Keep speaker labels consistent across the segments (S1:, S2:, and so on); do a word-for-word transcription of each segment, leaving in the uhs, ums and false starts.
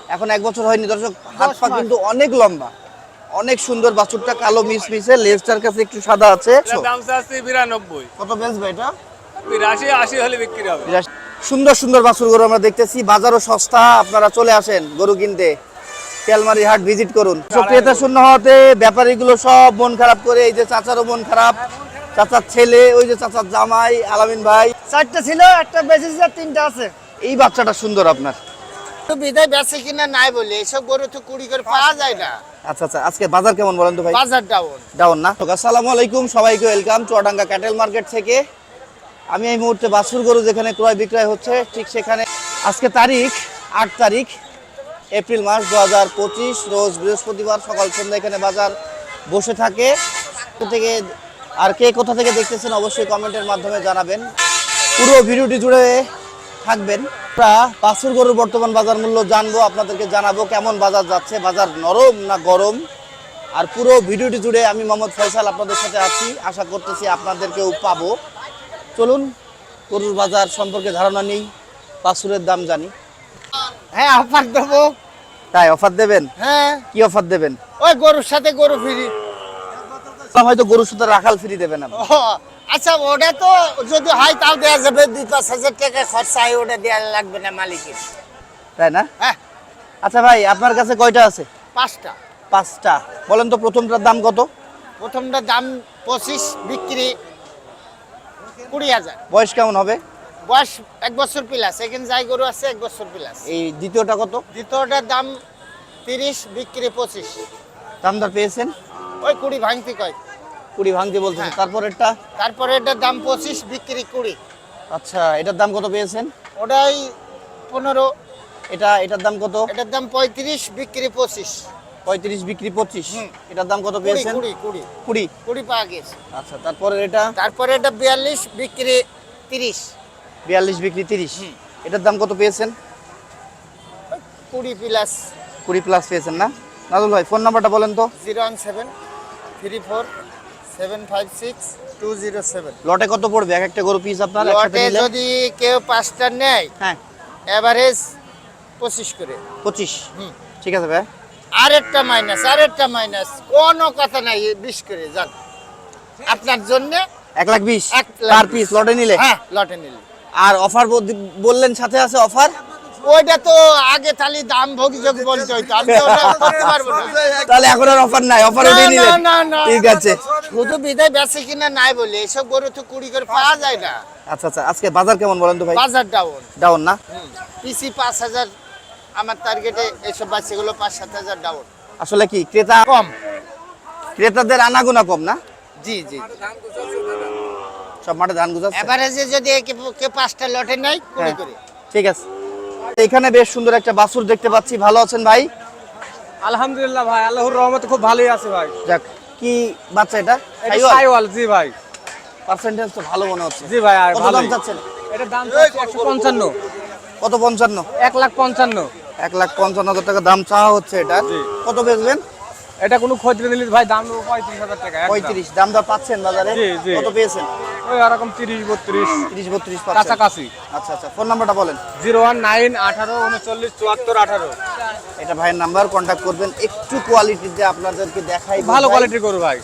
S1: এখন এক বছর হয়নি দর্শক, হাত পা কিন্তু অনেক লম্বা, অনেক সুন্দর বাছুরটা, কালো মিস মিসে, লেজটার কাছে একটু সাদা আছে।
S2: দাম চাচ্ছি বিরানব্বই।
S1: কত বেচবে এটা?
S2: বিরাশি আশি হলে বিক্রি হবে।
S1: সুন্দর সুন্দর বাছুর গরু আমরা দেখতেছি, বাজারও সস্তা, আপনারা চলে আসেন গরু কিনতে, তেলমারি হাট ভিজিট করুন। ক্রেতা শূন্য হওয়াতে ব্যাপারীগুলো সব মন খারাপ করে, এই যে চাচারও মন খারাপ, চাচার ছেলে, ওই যে চাচার জামাই আলামিন ভাই,
S3: চারটা ছিল, একটা বেঁচেছে, তিনটা আছে।
S1: এই বাচ্চাটা সুন্দর আপনার,
S3: তো বিদায় বেচে কিনা নাই বলে এসব গরু তো কুড়ি করে পাওয়া যায় না।
S1: আচ্ছা আচ্ছা, আজকে বাজার কেমন বলেন তো ভাই?
S3: বাজার ডাউন
S1: ডাউন না? আসসালামু আলাইকুম, সবাইকে ওয়েলকাম চুয়াডাঙ্গা ক্যাটেল মার্কেট থেকে। আমি এই মুহূর্তে বাছুর গরু যেখানে ক্রয় বিক্রয় হচ্ছে, ঠিক সেখানে আজকে তারিখ আট তারিখ এপ্রিল মাস দু হাজার পঁচিশ, রোজ বৃহস্পতিবার, সকাল সন্ধ্যা এখানে বাজার বসে থাকে। থেকে আর কে কোথা থেকে দেখতেছেন অবশ্যই কমেন্টের মাধ্যমে জানাবেন, পুরো ভিডিওটি জুড়ে থাকবেন। আমরা বাছুর গরুর বর্তমান বাজার মূল্য জানবো, আপনাদেরকে জানাবো কেমন বাজার যাচ্ছে, বাজার নরম না গরম। আর পুরো ভিডিওটি জুড়ে আমি মোহাম্মদ ফয়সাল আপনাদের সাথে আছি, আশা করতেছি আপনাদেরকেও পাবো। চলুন গরুর বাজার সম্পর্কে ধারণা নেই, বাছুরের দাম জানি।
S3: হ্যাঁ অফার দেবো।
S1: তাই অফার দেবেন?
S3: হ্যাঁ।
S1: কি অফার দেবেন?
S3: ওই গরুর সাথে গরু ফ্রি।
S1: হয়তো গরুর সাথে রাখাল ফ্রি দেবেন আপনি।
S3: আচ্ছা ওটা তো যদি হয় তাও দেওয়া যাবে, দুই পাঁচ হাজার টাকা খরচা হয়, ওটা দেওয়া লাগবে না মালিকের,
S1: তাই না?
S3: হ্যাঁ।
S1: আচ্ছা ভাই, আপনার কাছে কয়টা আছে?
S3: পাঁচটা।
S1: পাঁচটা। বলেন তো প্রথমটার দাম কত?
S3: প্রথমটা দাম পঁচিশ, বিক্রি কুড়ি হাজার।
S1: বয়স কেমন হবে?
S3: বয়স এক বছর প্লাস, এখানে যাই গরু আছে এক বছর প্লাস।
S1: এই দ্বিতীয়টা কত?
S3: দ্বিতীয়টার দাম তিরিশ, বিক্রি পঁচিশ।
S1: দামদার পেয়েছেন?
S3: ওই কুড়ি ভাঙতি কয়।
S1: কুড়ি ভাঙতে বলছেন।
S3: হ্যাঁ।
S1: তারপরেরটা?
S3: তারপরে এটার দাম পঁচিশ, বিক্রি কুড়ি।
S1: আচ্ছা, এটার দাম কত পেয়েছেন?
S3: ওটাই পনেরো।
S1: এটা এটার দাম কত?
S3: এটার দাম পঁয়ত্রিশ, বিক্রি পঁচিশ।
S1: পঁয়ত্রিশ, বিক্রি পঁচিশ।
S3: হুম।
S1: এটার দাম কত
S3: কুড়ি
S1: পেয়েছেন?
S3: কুড়ি কুড়ি
S1: কুড়ি।
S3: কুড়ি পাওয়া গেছে।
S1: আচ্ছা, তারপরে এটা?
S3: তারপরে এটা বিয়াল্লিশ, বিক্রি তিরিশ।
S1: বিয়াল্লিশ, বিক্রি তিরিশ। এটার দাম কত পেয়েছেন?
S3: কুড়ি প্লাস।
S1: কুড়ি প্লাস পেয়েছেন না? নাজুল ভাই ফোন নাম্বারটা বলেন তো।
S3: Zero one seven three four seven five six two zero seven.
S1: লটে কত পড়বে এক একটা গরু পিস আপনার একসাথে
S3: লটে
S1: নিলে?
S3: যদি কেউ পাঁচটা নেয়,
S1: হ্যাঁ,
S3: এভারেজ পঁচিশ করে।
S1: পঁচিশ।
S3: হুম।
S1: ঠিক আছে ভাই।
S3: আরেকটা মাইনাস, আরেকটা মাইনাস, কোনো কথা নাই, বিশ করে যান আপনার জন্য।
S1: এক লাখ বিশ
S3: এক লাখ
S1: পার পিস লটে নিলে?
S3: হ্যাঁ লটে নিলে।
S1: আর অফার বললেন সাথে আছে অফার?
S3: ওইটা তো আগে তাহলে দাম ভোগী যোগ বলতে হইতো, আমি তো ওটা করতে পারবো না।
S1: তাহলে এখন আর অফার নাই, অফার
S3: না,
S1: ওটাই
S3: না,
S1: নিলেন?
S3: না, না।
S1: ঠিক আছে।
S3: শুধু বিদায় বেচে কিনা নাই বলে এসব গরু তো কুড়ি করে পাওয়া যায় না।
S1: আচ্ছা আচ্ছা, আজকে বাজার কেমন বলেন তো ভাই?
S3: বাজার ডাউন।
S1: ডাউন না?
S3: পিসি পাঁচ হাজার, আমার টার্গেটে এইসব বাচ্চাগুলো পাঁচ সাত হাজার ডাউন।
S1: আসলে কি ক্রেতা
S3: কম।
S1: ক্রেতাদের আনাগোনা কম না?
S3: জি জি।
S1: সব মাঠে ধান গুজাচ্ছে?
S3: এভারেজে যদি কেউ- কেউ পাঁচটা লটে নেয় কুড়ি
S1: হ্যাঁ।
S3: করে।
S1: ঠিক আছে। এখানে বেশ সুন্দর একটা বাছুর দেখতে পাচ্ছি, ভালো আছেন ভাই?
S4: আলহামদুলিল্লাহ ভাই, আল্লাহর রহমতে খুব ভালোই আছে ভাই।
S1: যাক, কি বাচ্চা এটা?
S4: এটা সাইওয়াল। জি ভাই।
S1: পার্সেন্টেজ তো ভালো মনে হচ্ছে।
S4: জি ভাই, আর
S1: কত দাম
S4: ভালোই।
S1: চাচ্ছেন?
S4: এটার দাম চাচ্ছি একশো পঞ্চান্ন।
S1: কত? পঞ্চান্ন?
S4: এক লাখ পঞ্চান্ন।
S1: এক লাখ পঞ্চান্ন হাজার টাকা দাম চাওয়া হচ্ছে এটা।
S4: জি।
S1: কত বেচবেন?
S4: এটা কোনো খদ্র নিলে ভাই দাম নেবো পঁয়ত্রিশ হাজার টাকা একদম।
S1: পঁয়ত্রিশ দাম দর পাচ্ছেন বাজারে?
S4: জি, জি।
S1: কত পেয়েছেন?
S4: ওই এরকম তিরিশ বত্রিশ
S1: তিরিশ, বত্রিশ পাচ্ছেন?
S4: কাছাকাছি।
S1: আচ্ছা আচ্ছা, ফোন নাম্বারটা বলেন।
S4: জিরো ওয়ান নাইন আঠারো উনচল্লিশ চুয়াত্তর আঠারো।
S1: এটা ভাইয়ের নাম্বার, কন্ট্যাক্ট করবেন। একটু কোয়ালিটিতে আপনাদেরকে দেখাই,
S4: ভালো কোয়ালিটির গরু ভাই।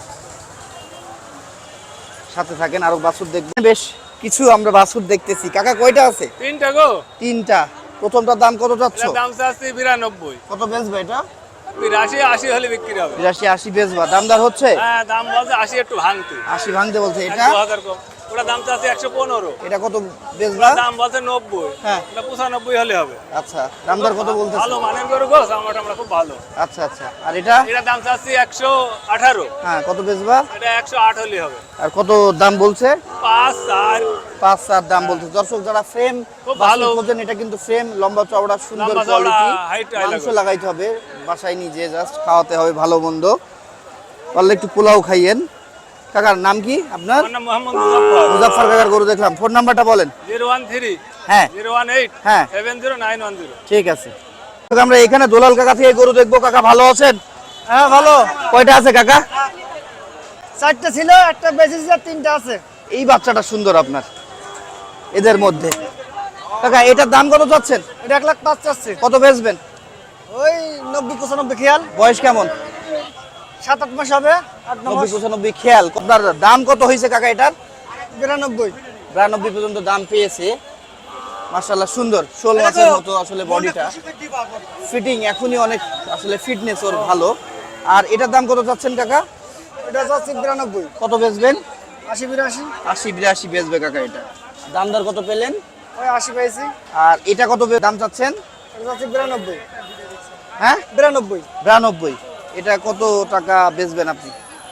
S1: সাথে থাকেন, আরো বাছুর দেখবেন। বেশ কিছু আমরা বাছুর দেখতেছি। কাকা কয়টা আছে?
S2: তিনটা গো।
S1: তিনটা। প্রথমটার দাম কত চাচ্ছ?
S2: এটার দাম চাচ্ছি বিরানব্বই।
S1: কত বেচবে এটা?
S2: বিরাশি আশি হলে বিক্রি হবে।
S1: বিরাশি, আশি বেচবা? দামদার হচ্ছে?
S2: হ্যাঁ, দাম বলছে আশি একটু ভাঙতে।
S1: আশি ভাঙতে বলছে। এটা
S2: দু হাজার কম। ওটা দাম চাচ্ছি একশো পনেরো।
S1: এটা কত বেচবা?
S2: দাম বলছে নব্বই।
S1: হ্যাঁ।
S2: এটা পঁচানব্বই হলে হবে।
S1: আচ্ছা, দামদার কত বলতেছে?
S2: ভালো মানের গরু গো, আমরা আমরা খুব ভালো।
S1: আচ্ছা আচ্ছা, আর এটা?
S2: এটা দাম চাচ্ছি একশো আঠারো।
S1: হ্যাঁ, কত বেচবা?
S2: এটা একশো আট হলে হবে।
S1: আর কত দাম বলছে?
S2: পাঁচ চার।
S1: পাঁচ চার দাম বলছে। দর্শক যারা ফ্রেম
S2: খুব ভালো।
S1: খোঁজেন, এটা কিন্তু ফ্রেম, লম্বা চওড়া, সুন্দর
S2: লম্বা চওড়া,
S1: কোয়ালিটি।
S2: height টাই
S1: মাংস
S2: লাগবে।
S1: লাগাইতে হবে বাসায়, নিজে জাস্ট খাওয়াতে হবে ভালো মন্দ। পারলে একটু পোলাও খাইয়েন। কাকার নাম কি আপনার?
S2: আমার নাম মোহাম্মদ মুজাফফর।
S1: মুজাফফর কাকার গরু দেখলাম। ফোন নাম্বারটা বলেন।
S2: জিরো ওয়ান থ্রি
S1: হ্যাঁ
S2: জিরো ওয়ান এইট
S1: হ্যাঁ
S2: seven zero nine one zero.
S1: ঠিক আছে। আমরা এখানে দোলাল কাকা থেকে গরু দেখবো। কাকা ভালো আছেন?
S3: হ্যাঁ ভালো।
S1: কয়টা আছে কাকা?
S3: চারটা ছিল, একটা বেঁচেছে, তিনটা আছে।
S1: এই বাচ্চাটা সুন্দর আপনার এদের মধ্যে। কাকা এটার দাম কত চাচ্ছেন?
S3: এটা এক লাখ পাঁচ চাচ্ছে।
S1: কত বেচবেন?
S3: ওই নব্বই পঁচানব্বই খেয়াল
S1: বয়স কেমন?
S3: সাত আট মাস হবে আট ন
S1: নব্বই
S3: মাস
S1: পঁচানব্বই খেয়াল। আপনার দাম কত হয়েছে কাকা এটার?
S3: বিরানব্বই
S1: বিরানব্বই পর্যন্ত দাম পেয়েছে। মাশাআল্লাহ সুন্দর, শোল মাছের মতো আসলে বডিটা, ফিটিং এখনই অনেক আসলে ফিটনেস ওর ভালো। আর এটার দাম কত চাচ্ছেন কাকা?
S3: এটা যাচ্ছে বিরানব্বই
S1: কত বেচবেন?
S3: আশি বিরাশি
S1: আশি বিরাশি বেচবে কাকা এটা। দাম দর কত পেলেন?
S3: ওই আশি পাইছি
S1: আর এটা কত বে- দাম চাচ্ছেন?
S3: এটা যাচ্ছে বিরানব্বই
S1: হ্যাঁ
S3: বিরানব্বই
S1: বিরানব্বই। এটা কত টাকা বেচবেন আপনি?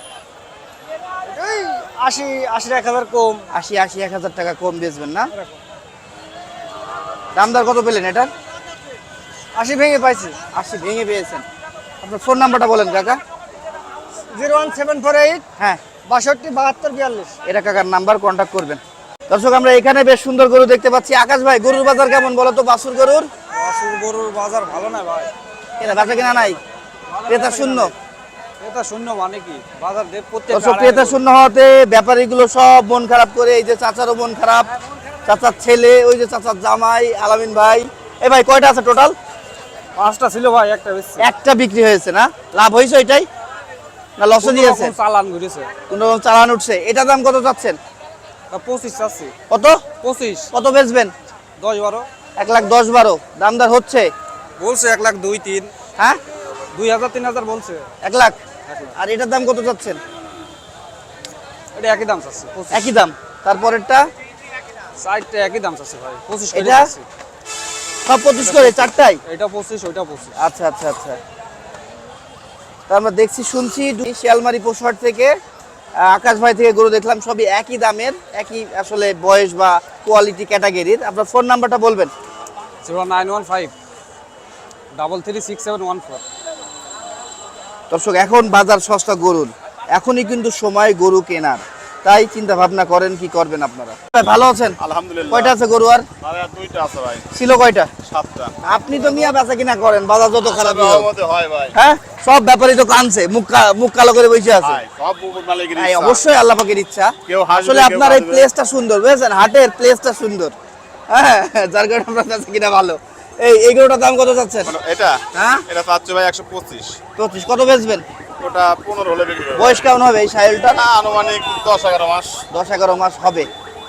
S3: ওই আশি আশির এক হাজার কম
S1: আশি আশি এক হাজার টাকা কম বেচবেন না? দাম দর কত পেলেন এটার?
S3: আশি ভেঙে পাইছি
S1: আশি ভেঙে পেয়েছেন। আপনার ফোন নাম্বারটা বলেন কাকা।
S3: Zero one seven four eight
S1: হ্যাঁ,
S3: বাষট্টি বাহাত্তর বিয়াল্লিশ
S1: এটা কাকার নাম্বার, কন্ট্যাক্ট করবেন। দর্শক আমরা এখানে বেশ সুন্দর গরু দেখতে পাচ্ছি। আকাশ ভাই, গরুর বাজার কেমন বলো তো? বাছুর গরুর
S4: বাছুর গরুর বাজার ভালো না ভাই,
S1: কেনা বেচা কেনা নাই, ক্রেতা শূন্য।
S4: এটা শূন্য মানে কি বাজার দেব প্রত্যেক
S1: দর্শক ক্রেতা শূন্য হওয়াতে ব্যাপারীগুলো সব মন খারাপ করে, এই যে চাচারও মন খারাপ, চাচার ছেলে, ওই যে চাচার জামাই আলামিন ভাই। এ ভাই কয়টা আছে টোটাল?
S4: পাঁচটা ছিল ভাই, একটা বেশি
S1: একটা বিক্রি হয়েছে না? লাভ হয়েছে ওইটাই না লসে দিয়েছে?
S4: চালান ঘুরেছে।
S1: কোন রকম চালান উঠছে। এটা দাম কত চাচ্ছেন?
S4: তা পঁচিশ আছে,
S1: কত
S4: পঁচিশ
S1: কত বেচবেন?
S4: দশ বারো
S1: এক লাখ দশ বারো দামদার হচ্ছে।
S4: বলছে, এক লাখ দুই তিন,
S1: হ্যাঁ
S4: দুই হাজার তিন হাজার বলছে।
S1: এক লাখ। আর এটার দাম কত চাচ্ছেন?
S4: এটা একই দাম চাচ্ছে, পঁচিশ।
S1: একই দাম। তারপরেরটা
S4: সাইডটা একই দাম চাচ্ছে ভাই, পঁচিশ করে
S1: এটা?
S4: চাচ্ছে।
S1: সব পঁচিশ করে চারটাই?
S4: এটা পঁচিশ, ওইটা পঁচিশ।
S1: আচ্ছা আচ্ছা আচ্ছা। তা আমরা দেখছি শুনছি দুই শিয়ালমারি পশুহাট থেকে আহ, আকাশ ভাই থেকে গরু দেখলাম, সবই একই দামের, একই আসলে বয়স বা কোয়ালিটি ক্যাটাগরির। আপনার ফোন নাম্বারটা বলবেন।
S4: Zero nine one five double three six seven one four.
S1: দর্শক এখন বাজার সস্তা গরুর, এখনই কিন্তু সময় গরু কেনার, তাই চিন্তা ভাবনা করেন কি করবেন আপনারা। ভাই, ভালো আছেন?
S2: আলহামদুলিল্লাহ।
S1: কয়টা আছে গরু? আর
S2: ভাই আর দুইটা আছে ভাই,
S1: ছিল কয়টা?
S2: সাতটা।
S1: আপনি তো মিয়া বেচা কিনা করেন, বাজার যত খারাপ
S2: মধ্যে হয় ভাই।
S1: হ্যাঁ, সব ব্যাপারী তো কানছে, মুখ কা- মুখ কালো করে বসে আছে।
S2: ভাই সব উপর মালিকের
S1: এই
S2: ইচ্ছা।
S1: অবশ্যই আল্লাহ পাকের ইচ্ছা।
S2: কেউ হাসবে,
S1: আসলে
S2: কেউ
S1: আপনার এই
S2: কাঁদবে।
S1: প্লেসটা সুন্দর, বুঝেছেন? হাটের প্লেসটা সুন্দর, হ্যাঁ, যার কারণে আপনার কাছে কিনা ভালো। এই এই গরুটার দাম কত চাচ্ছেন?
S2: মানে এটা
S1: হ্যাঁ,
S2: এটা পাচ্ছে ভাই একশো পঁচিশ।
S1: পঁচিশ। কত বেচবেন?
S2: ওটা পনেরো হলে বিক্রি হবে।
S1: বয়স কেমন হবে এই সাহেলটার?
S2: না, আনুমানিক দশ এগারো মাস।
S1: দশ এগারো মাস হবে।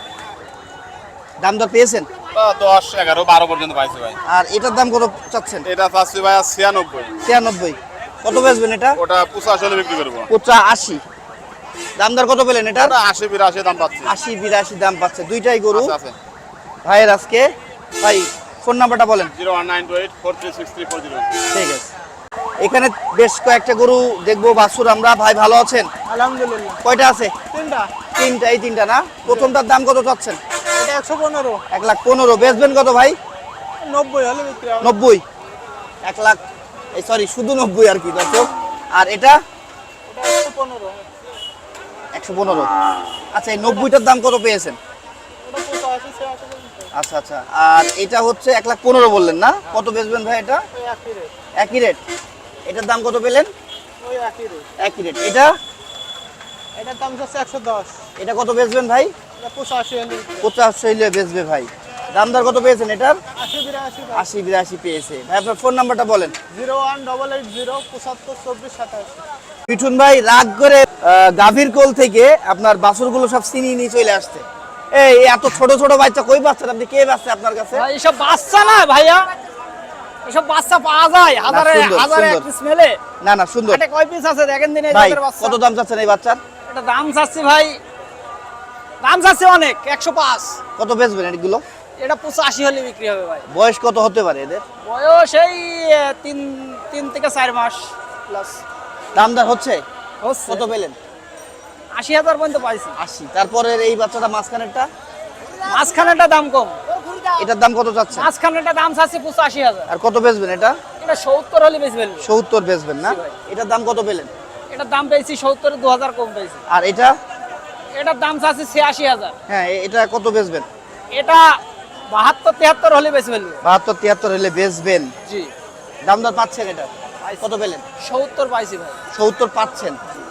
S1: দাম দর পেয়েছেন?
S2: বা দশ এগারো বারো পর্যন্ত পাইছে ভাই।
S1: আর এটার দাম কত চাচ্ছেন?
S2: এটা পাচ্ছে ভাই আর ছিয়ানব্বই।
S1: ছিয়ানব্বই। কত বেচবেন এটা?
S2: ওটা পঁচাশি হলে বিক্রি করবো।
S1: পঁচা আশি। দাম দর কত পেলেন এটার?
S2: ওটা আশি বিরাশি দাম পাচ্ছি।
S1: আশি বিরাশি দাম পাচ্ছে দুইটাই গরু
S2: আছে, আছে।
S1: ভাইয়ের আজকে। ভাই ফোন নাম্বারটা বলেন।
S2: Zero one nine two eight four three six three four zero.
S1: ঠিক আছে। এখানে বেশ কয়েকটা গরু দেখবো, বাছুর আমরা। ভাই ভালো আছেন?
S3: আলহামদুলিল্লাহ
S1: কয়টা আছে?
S3: তিনটা
S1: তিনটা। এই তিনটা না? প্রথমটার দাম কত চাচ্ছেন?
S3: এটা একশো পনেরো
S1: এক লাখ পনেরো। বেচবেন কত ভাই?
S3: নব্বই হলে বিক্রি হবে
S1: নব্বই। এক লাখ, এই সরি শুধু নব্বই আর কি দর্শক। আর এটা
S3: এটা একশো পনেরো
S1: একশো পনেরো। আচ্ছা, এই নব্বইটার দাম কত পেয়েছেন?
S3: ওটা পঁচাশি ছিয়াশি
S1: আচ্ছা আচ্ছা। আর এটা হচ্ছে এক লাখ পনেরো বললেন না? কত বেচবেন ভাই এটা?
S3: ওই একই রেট
S1: একই রেট। এটার দাম কত পেলেন?
S3: ওই একই রেট
S1: একই রেট। এটা
S3: এটার দাম হচ্ছে একশো দশ
S1: এটা কত বেচবেন ভাই?
S3: এটা পঁচাশি হলে বিক্রি হবে।
S1: পঞ্চাশ হইলে বেচবে ভাই। দাম দর কত পেয়েছেন এটার?
S3: আশি বিরাশি
S1: আশি বিরাশি পেয়েছে ভাই। আপনার ফোন নাম্বারটা বলেন।
S3: Zero one double eight zero পঁচাত্তর চব্বিশ সাতাশি
S1: মিঠুন ভাই রাগ করে আহ, গাভীর কোল থেকে আপনার বাছুরগুলো সব চিনিয়ে নিয়ে চলে আসছে। এই এত ছোট ছোট বাচ্চা কই পাচ্ছেন আপনি? কে বাচ্চা আপনার কাছে?
S5: ভাই এসব বাচ্চা না ভাইয়া, এসব বাচ্চা পাওয়া যায় হাজারে
S1: সুন্দর,
S5: হাজারে
S1: সুন্দর।
S5: এক পিস মেলে।
S1: না না সুন্দর
S5: এটা কয় পিস আছে দেখেন দিন এই
S1: ভাই।
S5: জাতের বাচ্চা।
S1: কত দাম চাচ্ছেন এই বাচ্চার?
S5: এটা দাম চাচ্ছি ভাই, দাম চাচ্ছি অনেক, একশো পাঁচ।
S1: কত বেচবেন এগুলো?
S5: এটা পঁচাশি হলে বিক্রি হবে ভাই।
S1: বয়স কত হতে পারে এদের?
S5: বয়স এই আহ, তিন তিন থেকে চার মাস প্লাস
S1: দাম দর হচ্ছে?
S5: হচ্ছে।
S1: কত পেলেন?
S5: আশি হাজার পর্যন্ত পাইছি।
S1: আশি। তারপরে এই বাচ্চাটা মাঝখানেরটা,
S5: মাঝখানেটা দাম কম,
S1: এটার দাম কত চাচ্ছেন?
S5: মাঝখানেটা দাম চাচ্ছি পঁচাশি হাজার।
S1: আর কত বেচবেন এটা?
S5: এটা সত্তর হলে বেশি ফেলবে।
S1: সত্তর বেচবেন না?
S5: জি ভাই।
S1: এটার দাম কত পেলেন?
S5: এটার দাম পেয়েছি সত্তরে দু হাজার কম পেয়েছি।
S1: আর এটা?
S5: এটার দাম চাচ্ছি ছিয়াশি হাজার।
S1: হ্যাঁ, এ- এটা কত বেচবেন?
S5: এটা বাহাত্তর তিয়াত্তর হলে বেশি ফেলবে।
S1: বাহাত্তর তিয়াত্তর হলে বেচবেন।
S5: জি
S1: দাম দর পাচ্ছেন এটা? কত পেলেন?
S5: সত্তর পাইছি ভাই।
S1: সত্তর পাচ্ছেন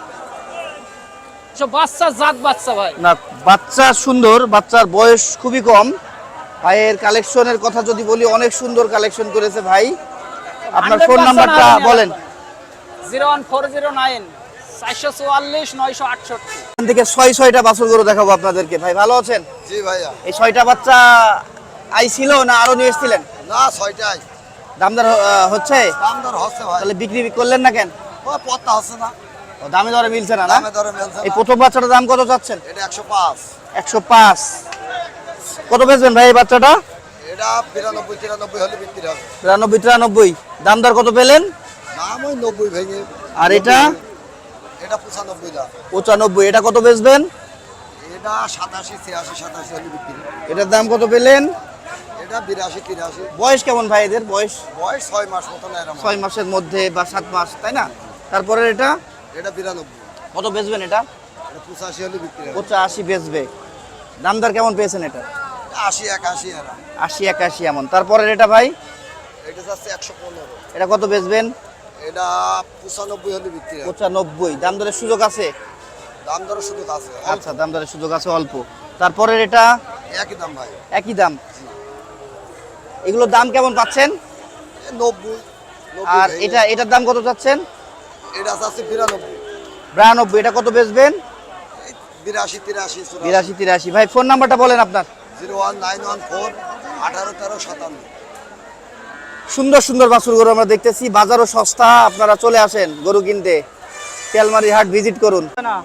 S5: সব বাচ্চা জাত বাচ্চা ভাই।
S1: না? বাচ্চা সুন্দর, বাচ্চার বয়স খুবই কম। ভাইয়ের কালেকশনের কথা যদি বলি, অনেক সুন্দর কালেকশন করেছে ভাই। আপনার ফোন নাম্বারটা বলেন।
S5: Zero one four zero nine চারশো চুয়াল্লিশ নয়শো আটষট্টি।
S1: এখান থেকে ছয় ছয়টা বাছুর গরু দেখাবো আপনাদেরকে। ভাই ভালো আছেন?
S3: জি ভাইয়া।
S1: এই ছয়টা বাচ্চা আই ছিল না আরো নিয়ে এসেছিলেন?
S3: না ছয়টাই
S1: দামদার আহ, হচ্ছে?
S3: দাম দর হচ্ছে ভাই।
S1: তাহলে বিক্রি করলেন না কেন?
S3: ও পত্তা হচ্ছে না,
S1: ও, দামে দরে মিলছে না না?
S3: দামে দরে মেলছে
S1: এই
S3: না।
S1: প্রথম বাচ্চাটার দাম কত চাচ্ছেন?
S3: এটা একশো পাঁচ,
S1: একশো পাঁচ। কত বেচবেন ভাই এই বাচ্চাটা?
S3: এটা বিরানব্বই তিরানব্বই হলে বিক্রি হবে।
S1: তিরানব্বই তিরানব্বই। দাম দর কত পেলেন?
S3: দাম ওই নব্বই ভেঙে।
S1: আর এটা?
S3: এটা পঁচানব্বই দাম।
S1: পঁচানব্বই। এটা কত বেচবেন?
S3: এটা সাতাশি ছিয়াশি সাতাশি হলে বিক্রি।
S1: এটার দাম কত পেলেন?
S3: এটা বিরাশি তিরাশি।
S1: বয়স কেমন ভাই এদের? বয়স
S3: বয়স ছয় মাস মতন এরকম।
S1: ছয় মাসের মধ্যে বা সাত মাস, তাই না? তারপরে এটা
S3: এটা বিরানব্বই।
S1: কত বেচবেন? এটা
S3: এটা পঁচাশি হলে বিক্রি হবে।
S1: পঁচাশি বেচবে। দাম দর কেমন পেয়েছেন এটা?
S3: আশি একাশি এরা।
S1: আশি একাশি এমন। তারপরে এটা ভাই
S3: এটা যাচ্ছে একশো পনেরো।
S1: এটা কত বেচবেন?
S3: এটা পঁচানব্বই হলে বিক্রি হবে।
S1: পঁচানব্বই। দাম দরের সুযোগ আছে?
S3: দাম দর শুধু আছে
S1: আচ্ছা, দাম দরের সুযোগ আছে অল্প। তারপরে এটা
S3: একই দাম ভাই।
S1: একই দাম। এগুলোর দাম কেমন পাচ্ছেন?
S3: এ নব্বই।
S1: আর এটা এটার দাম কত চাচ্ছেন?
S3: এটা যাচ্ছে বিরানব্বই।
S1: বিরানব্বই। এটা কত বেচবেন?
S3: বিরাশি তিরাশি
S1: বিরাশি তিরাশি। ভাই ফোন নাম্বারটা বলেন আপনার।
S3: Zero one nine one four আঠারো তেরো সাতান্ন।
S1: সুন্দর সুন্দর বাছুর গরু আমরা দেখতেছি, বাজারও সস্তা। আপনারা চলে আসেন গরু কিনতে, তেলমারি হাট ভিজিট করুন।
S5: না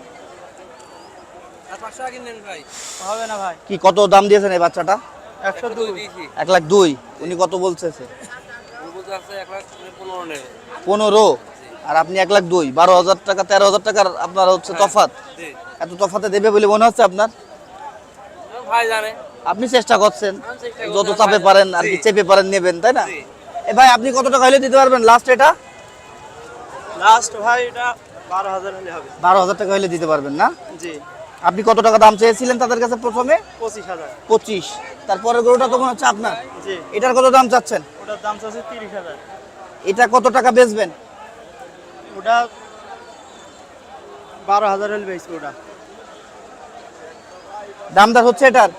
S5: হবে না ভাই।
S1: কি কত দাম দিয়েছেন এই বাচ্চাটা?
S5: একশো দুই।
S1: এক লাখ দুই। উনি কত বলছে? পনেরো। আর আপনি এক লাখ দুই। বারো হাজার টাকা তেরো হাজার টাকার আপনার হচ্ছে তফাৎ। এত তফাতে দেবে বলে মনে হচ্ছে আপনার?
S5: ভাই জানে।
S1: আপনি চেষ্টা করছেন যত চাপে পারেন আর কি, চেপে পারেন নেবেন, তাই না? এ ভাই আপনি কত টাকা হলে দিতে পারবেন লাস্ট? এটা
S5: লাস্ট ভাই এটা বারো হাজার হলে হবে।
S1: বারো হাজার টাকা হলে দিতে পারবেন না?
S5: জি।
S1: আপনি কত টাকা দাম চেয়েছিলেন তাদের কাছে প্রথমে?
S5: পঁচিশ হাজার।
S1: পঁচিশ। তারপরের গরুটা তো মনে হচ্ছে আপনার।
S5: জি।
S1: এটার কত দাম চাচ্ছেন?
S5: ওটার দাম চাচ্ছে তিরিশ হাজার।
S1: এটা কত টাকা বেচবেন?
S5: ওটা বারো হাজার হলে বেশি। ওটা
S1: দামদার হচ্ছে এটার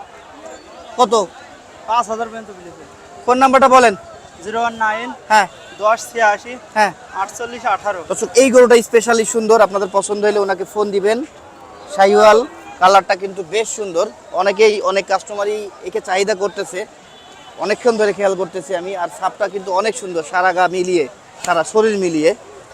S1: কত?
S5: পাঁচ হাজার পর্যন্ত বিলেছে।
S1: ফোন নাম্বারটা বলেন।
S5: জিরো ওয়ান নাইন
S1: হ্যাঁ
S5: দশ ছিয়াশি
S1: হ্যাঁ।
S5: আটচল্লিশ আঠারো।
S1: দর্শক এই গরুটা স্পেশালি সুন্দর, আপনাদের পছন্দ হলে ওনাকে ফোন দিবেন। শাহিওয়াল কালারটা কিন্তু বেশ সুন্দর। অনেকেই অনেক কাস্টমারই একে চাহিদা করতেছে, অনেকক্ষণ ধরে খেয়াল করতেছি আমি। আর ছাপটা কিন্তু অনেক সুন্দর, সারা গা মিলিয়ে, সারা শরীর মিলিয়ে।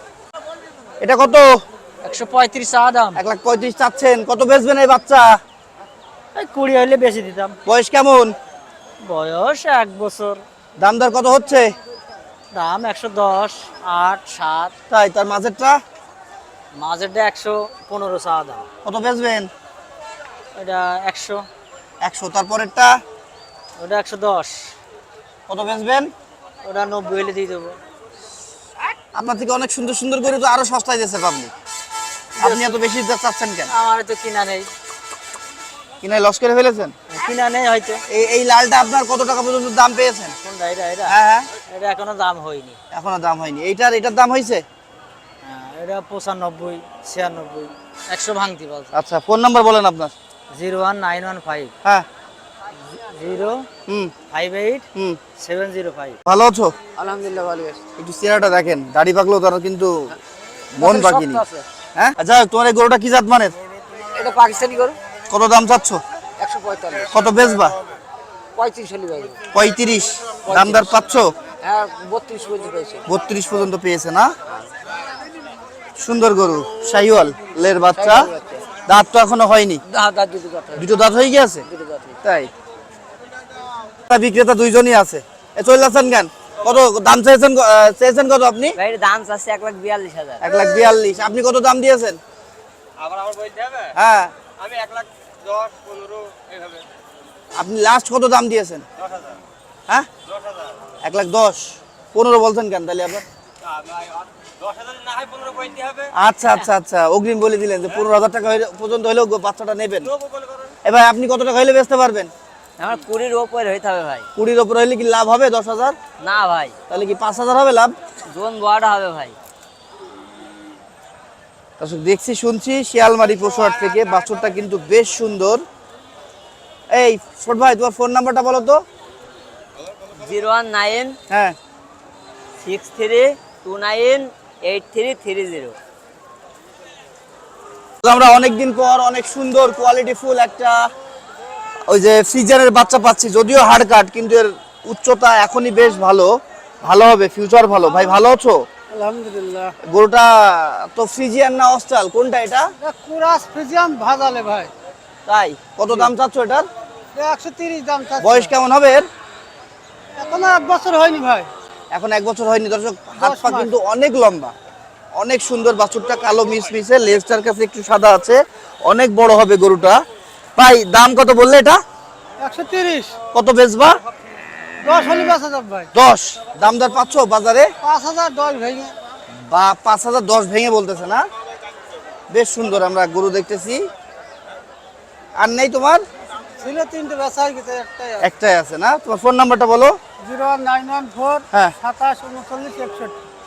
S1: এটা কত?
S5: একশো পঁয়ত্রিশ চা দাম।
S1: এক লাখ পঁয়ত্রিশ চাচ্ছেন। কত বেচবেন এই বাচ্চা?
S5: কুড়ি হলে বেশি দিতাম।
S1: বয়স কেমন?
S5: বয়স এক বছর।
S1: দাম দর কত হচ্ছে?
S5: দাম একশো দশ আট সাত।
S1: তাই? তার মাঝেরটা
S5: মাঝেরটা একশো পনেরো চা দাম।
S1: কত বেচবেন?
S5: এটা একশো।
S1: একশো। তারপরেরটা
S5: ওটা একশো দশ।
S1: কত বেচবেন?
S5: ওটা নব্বই হলে দিয়ে দেবো।
S1: আপনার থেকে অনেক সুন্দর সুন্দর করে তো আরো সস্তায় দিচ্ছে পাবলিক, আপনি এত বেশি চাচ্ছেন কেন?
S5: আমার তো কিনা নেই।
S1: কিনে লস করে ফেলেছেন?
S5: কিনা নেই হয়তো।
S1: এই এই লালটা আপনার কত টাকা পর্যন্ত দাম পেয়েছেন?
S5: কোনটা? এটা এটা
S1: হ্যাঁ হ্যাঁ।
S5: এটা এখনো দাম হয়নি।
S1: এখনো দাম হয়নি। এইটার এটার দাম হয়েছে?
S5: হ্যাঁ, এটা পঁচানব্বই ছিয়ানব্বই একশো ভাঙতি বলছে।
S1: আচ্ছা, ফোন নাম্বার বলেন আপনার।
S5: Zero one nine one five
S1: হ্যাঁ।
S5: Zero
S1: hmm
S5: five eight
S1: hmm.
S5: Seven zero five.
S1: ভালো আছো?
S5: আলহামদুলিল্লাহ ভালো আছি।
S1: একটু চেহারাটা দেখেন, দাড়ি পাকলেও তারা কিন্তু মন বাকিনি। হ্যাঁ আচ্ছা, তোমার এই গরুটা কি জাত মানের?
S5: এটা পাকিস্তানি গরু।
S1: কত দাম চাচ্ছ?
S5: একশো পঁয়তাল্লিশ।
S1: কত বেচবা?
S5: পঁয়ত্রিশ হলে ভাই।
S1: পঁয়ত্রিশ। দামদার পাচ্ছ?
S5: হ্যাঁ, বত্রিশ পর্যন্ত পেয়েছে।
S1: বত্রিশ পর্যন্ত পেয়েছে না? সুন্দর গরু, শাহিওয়াল লের বাচ্চা। দাঁত তো এখনো হয়নি?
S5: দাঁত দুটো দাঁত হয়।
S1: দুটো দাঁত হয়ে গেছে?
S5: দুটো দাঁত হয়।
S1: তাই? বিক্রেতা দুইজনই আছে। এ চলে যাচ্ছেন কেন? কত দাম চেয়েছেন? আহ, চেয়েছেন কত আপনি?
S5: ভাই এর দাম চাচ্ছে এক লাখ বিয়াল্লিশ হাজার।
S1: এক লাখ বিয়াল্লিশ। আপনি কত দাম দিয়েছেন?
S5: আবার আমার বলতে হবে?
S1: হ্যাঁ,
S5: আমি এক লাখ দশ পনেরো এইভাবে।
S1: আপনি লাস্ট কত দাম দিয়েছেন?
S5: দশ হাজার।
S1: হ্যাঁ,
S5: দশ হাজার।
S1: এক লাখ দশ। পনেরো বলছেন কেন তাহলে আবার?
S5: দশ হাজার না হয় পনেরো বলতে হবে।
S1: আচ্ছা আচ্ছা আচ্ছা, অগ্রিম বলে দিলেন যে পনেরো হাজার টাকা হইলে- পর্যন্ত হলেও গো- বাচ্চাটা নেবেন। এ ভাই আপনি কত টাকা হইলে বেচতে পারবেন?
S5: আমার কুড়ির ওপরে হইতে হবে ভাই।
S1: কুড়ির ওপর হইলে কি লাভ হবে? দশ হাজার?
S5: না ভাই,
S1: তাহলে কি পাঁচ হাজার হবে লাভ?
S5: জোন বড় হবে ভাই।
S1: দর্শক দেখছি শুনছি শিয়ালমারি পশুহাট থেকে বাছুরটা কিন্তু বেশ সুন্দর। এই ছোট ভাই, তোমার ফোন নাম্বারটা বলো তো।
S5: জিরো ওয়ান নাইন
S1: হ্যাঁ
S6: six three two nine eight three three zero.
S1: আমরা অনেকদিন পর অনেক সুন্দর কোয়ালিটি ফুল একটা ওই যে ফ্রিজারের বাচ্চা পাচ্ছি, যদিও হাড় কাট কিন্তু এর উচ্চতা এখনই বেশ ভালো, ভালো হবে, ফিউচার ভালো। ভাই ভালো আছো?
S5: আলহামদুলিল্লাহ।
S1: গরুটা তো ফ্রিজিয়ান না অস্ট্রাল, কোনটা এটা?
S5: কুরাস ফ্রিজিয়াম ভাজালে ভাই,
S1: তাই কত দাম চাচ্ছ এটার?
S5: একশো তিরিশ দাম চাচ্ছে।
S1: বয়স কেমন হবে এর?
S5: এখনো এক বছর হয়নি ভাই।
S1: এখন এক বছর হয়নি দর্শক, হাত
S5: দশ
S1: পা
S5: মাস।
S1: কিন্তু অনেক লম্বা, অনেক সুন্দর। বাছুরটা কালো মিস মিসে, লেজটার কাছে একটু সাদা আছে, অনেক বড় হবে গরুটা। ভাই দাম কত বললে এটা?
S5: একশো তিরিশ।
S1: কত বেচবা?
S5: দশ হলে পাঁচ হাজার ভাই।
S1: দশ দাম দর পাচ্ছ বাজারে?
S5: পাঁচ হাজার দশ ভেঙে।
S1: বা পাঁচ হাজার দশ ভেঙে বলতেছে না? বেশ সুন্দর আমরা গরু দেখতেছি। আর নেই তোমার?
S5: ছিল তিনটে বেচা হয়ে গেছে, একটাই আছে।
S1: একটাই আছে না? তোমার ফোন নাম্বারটা বলো।
S5: Zero one nine one four
S1: হ্যাঁ।
S5: সাতাশ উনচল্লিশ একষট্টি।